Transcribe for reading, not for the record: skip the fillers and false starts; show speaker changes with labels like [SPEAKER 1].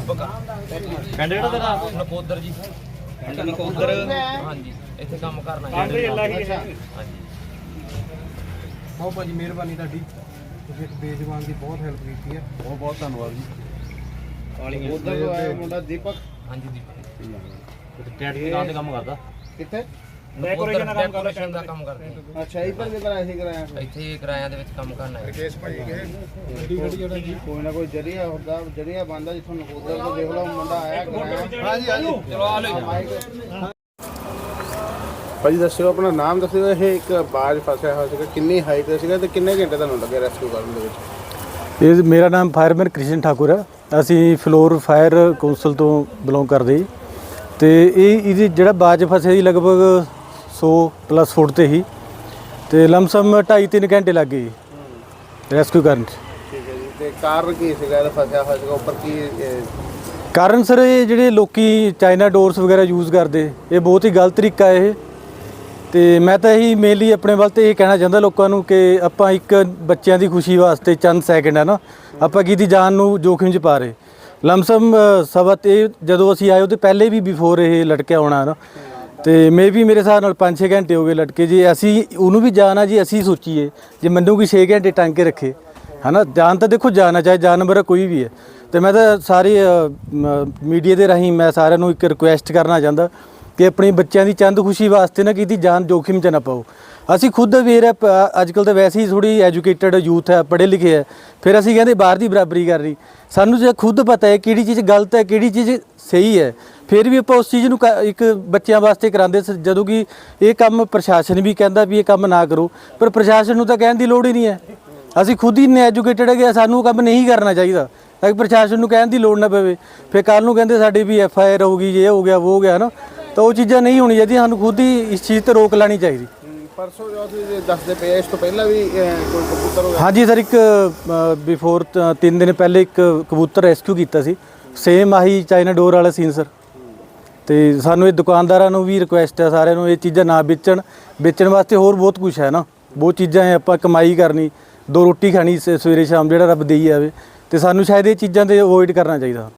[SPEAKER 1] ਦੀਪਕ
[SPEAKER 2] ਪਿੰਡ ਕਿਹੜਾ ਤੇਰਾ?
[SPEAKER 1] ਨਕੋਦਰ ਜੀ।
[SPEAKER 2] ਪਿੰਡ ਨਕੋਦਰ।
[SPEAKER 1] ਹਾਂਜੀ, ਇੱਥੇ ਕੰਮ ਕਰਨਾ ਜੀ।
[SPEAKER 2] ਹਾਂਜੀ।
[SPEAKER 3] ਬਹੁਤ ਭਾਜੀ ਮਿਹਰਬਾਨੀ ਤੁਹਾਡੀ, ਤੁਸੀਂ ਇੱਕ ਬੇਜਵਾਨ ਦੀ ਬਹੁਤ ਹੈਲਪ ਕੀਤੀ ਹੈ। ਬਹੁਤ ਬਹੁਤ ਧੰਨਵਾਦ ਜੀ।
[SPEAKER 4] ਉਧਰ ਤੋਂ ਆਇਆ ਮੁੰਡਾ ਦੀਪਕ।
[SPEAKER 1] ਹਾਂਜੀ ਦੀਪਕ
[SPEAKER 2] ਟੈਟ ਦੀ ਦੁਕਾਨ ਤੇ ਕੰਮ ਕਰਦਾ।
[SPEAKER 4] ਕਿੱਥੇ?
[SPEAKER 1] ਡੈਕੋਰੇਸ਼ਨ ਦਾ ਕੰਮ ਕਰਦੇ ਆ।
[SPEAKER 4] ਅੱਛਾ, ਇੱਧਰ ਵੀ ਕਰਾਇਆ ਸੀ ਕਰਾਇਆ।
[SPEAKER 1] ਇੱਥੇ ਕਿਰਾਇਆਂ ਦੇ ਵਿੱਚ ਕੰਮ ਕਰਨਾ ਹੈ।
[SPEAKER 4] ਕੋਈ ਨਾ ਕੋਈ ਜਰੀਆ ਹੁੰਦਾ, ਜਰੀਆ ਬੰਦਾ ਜਿੱਥੋਂ ਨਕੋਦਰ ਤੋਂ ਦੇਖ ਲਓ ਮੁੰਡਾ ਆਇਆ ਕਰਾਇਆ। ਹਾਂਜੀ ਹਾਂਜੀ,
[SPEAKER 1] ਚਲੋ ਆ ਲਓ।
[SPEAKER 4] ਭਾਜੀ ਦੱਸਿਓ ਆਪਣਾ ਨਾਮ ਦੱਸਿਓ। ਇਹ ਇੱਕ ਬਾਜ ਫਸਿਆ ਹੋਇਆ ਸੀਗਾ, ਕਿੰਨੀ ਹਾਈਟ ਤੇ ਸੀਗਾ ਤੇ ਕਿੰਨੇ ਘੰਟੇ ਤੁਹਾਨੂੰ ਲੱਗੇ ਰੈਸਕਿਊ ਕਰਨ ਦੇ ਵਿੱਚ?
[SPEAKER 3] ਇਹ ਮੇਰਾ ਨਾਮ ਫਾਇਰਮੈਨ ਕ੍ਰਿਸ਼ਨ ਠਾਕੁਰ ਹੈ। ਅਸੀਂ ਫਲੋਰ ਫਾਇਰ ਕੌਂਸਲ ਤੋਂ ਬਿਲੋਂਗ ਕਰਦੇ ਜੀ। ਤੇ ਇਹਦੀ ਜਿਹੜਾ ਬਾਜ ਫਸਿਆ ਸੀ ਲਗਭਗ 100+ ਫੁੱਟ ਤੇ ਹੀ, ਤੇ ਲਮਸਮ 2.5-3 ਘੰਟੇ ਲੱਗ ਗਏ ਰੈਸਕਿਊ ਕਰਨ 'ਚ।
[SPEAKER 4] ਠੀਕ ਹੈ ਜੀ। ਤੇ ਕਾਰਨ ਕੀ ਸੀਗਾ ਇਹਦਾ ਫਸਿਆ ਹੋਇਆ ਸੀਗਾ ਉੱਪਰ? ਕੀ
[SPEAKER 3] ਕਾਰਨ ਸਰ, ਇਹ ਜਿਹੜੇ ਲੋਕੀ ਚਾਈਨਾ ਡੋਰਸ ਵਗੈਰਾ ਯੂਜ਼ ਕਰਦੇ, ਇਹ ਬਹੁਤ ਹੀ ਗਲਤ ਤਰੀਕਾ ਇਹ। ਤੇ ਮੈਂ ਤਾਂ ਇਹੀ ਮੇਨਲੀ ਆਪਣੇ ਵੱਲ ਤੇ ਇਹ ਕਹਿਣਾ ਚਾਹੁੰਦਾ ਲੋਕਾਂ ਨੂੰ ਕਿ ਆਪਾਂ ਇੱਕ ਬੱਚਿਆਂ ਦੀ ਖੁਸ਼ੀ ਵਾਸਤੇ ਚੰਦ ਸੈਕਿੰਡ ਹੈ ਨਾ, ਆਪਾਂ ਕਿਹਦੀ ਜਾਨ ਨੂੰ ਜੋਖਿਮ 'ਚ ਪਾ ਰਹੇ। ਲਮਸਮ ਸਬਤ ਇਹ ਜਦੋਂ ਅਸੀਂ ਆਏ ਉਹਦੇ ਪਹਿਲੇ ਵੀ ਬਿਫੋਰ ਇਹ ਲਟਕਿਆ ਹੋਣਾ ਨਾ, ਤੇ ਮੇ ਵੀ ਮੇਰੇ ਹਿਸਾਬ ਨਾਲ 5-6 ਘੰਟੇ ਹੋ ਗਏ ਲਟਕੇ ਜੀ। ਅਸੀਂ ਉਹਨੂੰ ਵੀ ਜਾਨ ਆ ਜੀ, ਅਸੀਂ ਸੋਚੀਏ ਜੇ ਮੈਨੂੰ ਕੋਈ 6 ਘੰਟੇ ਟੰਗ ਕੇ ਰੱਖੇ ਹੈ ਨਾ, ਜਾਨ ਤਾਂ ਦੇਖੋ ਜਾਨ ਆ, ਚਾਹੇ ਜਾਨਵਰ ਕੋਈ ਵੀ ਹੈ। ਤੇ ਮੈਂ ਤਾਂ ਸਾਰੇ ਮੀਡੀਆ ਦੇ ਰਾਹੀਂ ਮੈਂ ਸਾਰਿਆਂ ਨੂੰ ਇੱਕ ਰਿਕੁਐਸਟ ਕਰਨਾ ਚਾਹੁੰਦਾ ਕਿ ਆਪਣੀ ਬੱਚਿਆਂ ਦੀ ਚੰਦ ਖੁਸ਼ੀ ਵਾਸਤੇ ਨਾ ਕਿਤੇ ਜਾਨ ਜੋਖਿਮ 'ਚ ਨਾ ਪਾਓ। ਅਸੀਂ ਖੁਦ ਅਵੇਅਰ ਹੈ, ਅੱਜ ਕੱਲ੍ਹ ਤਾਂ ਵੈਸੇ ਹੀ ਥੋੜ੍ਹੀ ਐਜੂਕੇਟਡ ਯੂਥ ਹੈ, ਪੜ੍ਹੇ ਲਿਖੇ ਹੈ, ਫਿਰ ਅਸੀਂ ਕਹਿੰਦੇ ਬਾਹਰ ਦੀ ਬਰਾਬਰੀ ਕਰ ਰਹੀ। ਸਾਨੂੰ ਜੇ ਖੁਦ ਪਤਾ ਹੈ ਕਿਹੜੀ ਚੀਜ਼ ਗਲਤ ਹੈ ਕਿਹੜੀ ਚੀਜ਼ ਸਹੀ ਹੈ, ਫਿਰ ਵੀ ਆਪਾਂ ਉਸ ਚੀਜ਼ ਨੂੰ ਇੱਕ ਬੱਚਿਆਂ ਵਾਸਤੇ ਕਰਾਉਂਦੇ। ਜਦੋਂ ਕਿ ਇਹ ਕੰਮ ਪ੍ਰਸ਼ਾਸਨ ਵੀ ਕਹਿੰਦਾ ਵੀ ਇਹ ਕੰਮ ਨਾ ਕਰੋ, ਪਰ ਪ੍ਰਸ਼ਾਸਨ ਨੂੰ ਤਾਂ ਕਹਿਣ ਦੀ ਲੋੜ ਹੀ ਨਹੀਂ ਹੈ। ਅਸੀਂ ਖੁਦ ਹੀ ਇੰਨੇ ਐਜੂਕੇਟਡ ਹੈਗੇ, ਸਾਨੂੰ ਉਹ ਕੰਮ ਨਹੀਂ ਕਰਨਾ ਚਾਹੀਦਾ ਤਾਂ ਕਿ ਪ੍ਰਸ਼ਾਸਨ ਨੂੰ ਕਹਿਣ ਦੀ ਲੋੜ ਨਾ ਪਵੇ। ਫਿਰ ਕੱਲ੍ਹ ਨੂੰ ਕਹਿੰਦੇ ਸਾਡੀ ਵੀ FIR ਹੋਊਗੀ, ਇਹ ਹੋ ਗਿਆ ਉਹ ਹੋ ਗਿਆ ਨਾ, ਤਾਂ ਉਹ ਚੀਜ਼ਾਂ ਨਹੀਂ ਹੋਣੀ ਚਾਹੀਦੀਆਂ। ਸਾਨੂੰ ਖੁਦ ਹੀ ਇਸ ਚੀਜ਼ 'ਤੇ ਰੋਕ ਲਾਉਣੀ ਚਾਹੀਦੀ।
[SPEAKER 4] ਪਰਸੋਂ ਜੋ ਤੁਸੀਂ ਦੱਸਦੇ ਪਏ, ਇਸ ਤੋਂ ਪਹਿਲਾਂ ਵੀ ਕੋਈ ਕਬੂਤਰ ਹੋਇਆ?
[SPEAKER 3] ਹਾਂਜੀ ਸਰ, ਇੱਕ ਬਿਫੋਰ 3 ਦਿਨ ਪਹਿਲੇ ਇੱਕ ਕਬੂਤਰ ਰੈਸਕਿਊ ਕੀਤਾ ਸੀ, ਸੇਮ ਆਹੀ ਚਾਈਨਾ ਡੋਰ ਵਾਲਾ ਸੀਨ ਸਰ। ਤੇ ਸਾਨੂੰ ਇਹ ਦੁਕਾਨਦਾਰਾਂ ਨੂੰ ਵੀ ਰਿਕੁਐਸਟ ਹੈ ਸਾਰਿਆਂ ਨੂੰ ਇਹ ਚੀਜ਼ਾਂ ਨਾ ਵੇਚਣ ਵਾਸਤੇ। ਹੋਰ ਬਹੁਤ ਕੁਝ ਹੈ ਨਾ, ਬਹੁਤ ਚੀਜ਼ਾਂ ਹੈ, ਆਪਾਂ ਕਮਾਈ ਕਰਨੀ, 2 ਰੋਟੀ ਖਾਣੀ ਸਵੇਰੇ ਸ਼ਾਮ ਜਿਹੜਾ ਰੱਬ ਦੇਈ ਜਾਵੇ, ਤੇ ਸਾਨੂੰ ਸ਼ਾਇਦ ਇਹ ਚੀਜ਼ਾਂ ਤੇ ਅਵੋਇਡ ਕਰਨਾ ਚਾਹੀਦਾ।